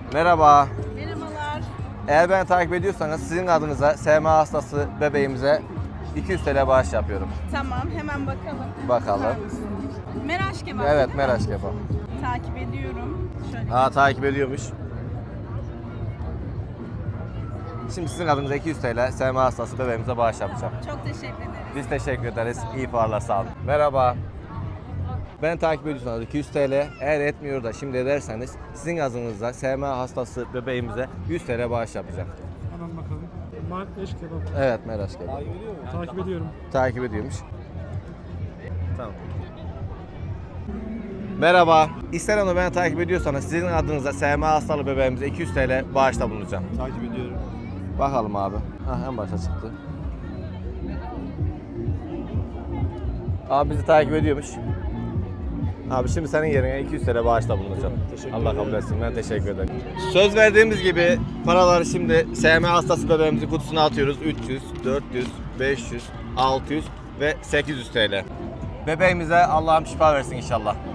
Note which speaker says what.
Speaker 1: Merhaba.
Speaker 2: Merhabalar.
Speaker 1: Eğer beni takip ediyorsanız sizin adınıza SMA hastası bebeğimize 200 TL bağış yapıyorum.
Speaker 2: Tamam, hemen bakalım.
Speaker 1: Bakalım.
Speaker 2: Bakar mısın? Meraş kebap
Speaker 1: Evet,
Speaker 2: değil mi?
Speaker 1: Meraş kebap.
Speaker 2: Takip ediyorum. Şöyle.
Speaker 1: Takip ediyormuş. Şimdi sizin adınıza 200 TL SMA hastası bebeğimize bağış yapacağım.
Speaker 2: Çok teşekkür ederiz.
Speaker 1: Biz teşekkür ederiz. İyi fuarlar, sağ olun. Merhaba. Ben takip ediyorsanız 200 TL, eğer etmiyor da şimdi ederseniz sizin adınıza SMA hastası bebeğimize 100 TL bağış yapacağım.
Speaker 3: Hemen bakalım. Meraş kebap.
Speaker 1: Evet, Meraş kebap.
Speaker 3: Takip ediyorum.
Speaker 1: Takip ediyormuş. Tamam. Merhaba. İster beni takip ediyorsanız sizin adınıza SMA hastalı bebeğimize 200 TL bağışta bulunacağım.
Speaker 3: Takip ediyorum.
Speaker 1: Bakalım abi. En başa çıktı. Abi bizi takip ediyormuş. Abi şimdi senin yerine 200 TL bağışta bulunacağım. Allah kabul etsin. Ben teşekkür ederim. Söz verdiğimiz gibi paraları şimdi SMA hastası bebeğimizin kutusuna atıyoruz. 300, 400, 500, 600 ve 800 TL. Bebeğimize Allah'ım şifa versin inşallah.